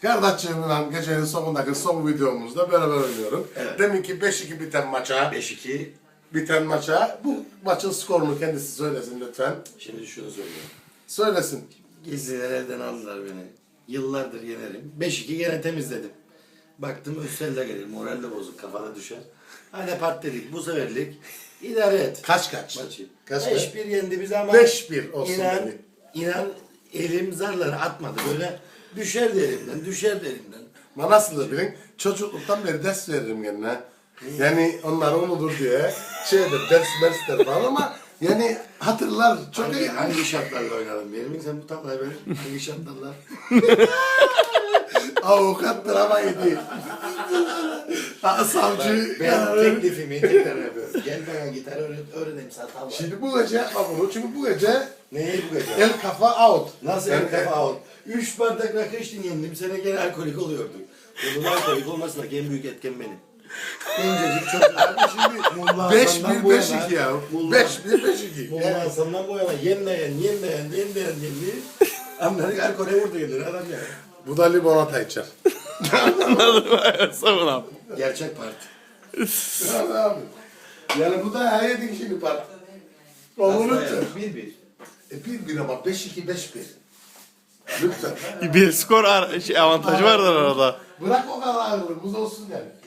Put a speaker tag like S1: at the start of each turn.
S1: Kardeşlerimle gecenin sonundaki son videomuzda beraber oynuyorum.
S2: Evet.
S1: Deminki 5-2 biten maça,
S2: 5-2.
S1: bu maçın skorunu kendisi söylesin lütfen.
S2: Şimdi şunu söylüyorum.
S1: Söylesin.
S2: Gizliler elden aldılar beni. Yıllardır yenerim. 5-2 gene temizledim. Baktım Üstel'de gelir. Moral de bozuk. Kafada düşer. Hadi partilik. Bu seferlik idare et.
S1: Kaç?
S2: Maçı.
S1: Kaç?
S2: 5-1 yendi bizi ama
S1: 5-1 olsun
S2: inan,
S1: dedi.
S2: inan elim zarları atmadı. Böyle düşerdi elimden.
S1: Ama nasıldır bilin? Çocukluktan beri ders veririm kendine. Yani onlar unutur diye ders falan ama yani hatırlar çok iyi.
S2: Hangi şartlarla oynadın? Benim sen bu tablayı benim. Hangi şartlarla?
S1: Avukattır ama iyi değil. Savcı.
S2: Ben teklifimi tekrar yapıyorum. Gel bana gitar öğreneyim sana tablayı.
S1: Şimdi bu gece yapma bunu çünkü bu gece
S2: Neyi bu gece?
S1: el kafa out.
S2: Nasıl
S1: Yani
S2: el kafa out? 3 bardak rakı içtin yendim. Sene gene alkolik oluyorduk. Bunun alkolik olmasındaki en büyük etken benim. Gencecik çocuklar da şimdi Mulla
S1: 5-1-5-2 ya. 5-1-5-2.
S2: Mulla Hasan'dan bu yana yenmeyen. Amları alkole vurdu gelir adam ya.
S1: Bu da limonata içer.
S3: Savunam.
S2: Gerçek parti.
S1: Yani abi. Yani bu da her yedi kişinin part. Onu lütfen.
S2: 1-1.
S1: 1-1 ama 5-2-5-1. Lütfen.
S3: Bir skor avantajı vardır arada.
S1: Bırak o kadar ağırlığımız olsun yani.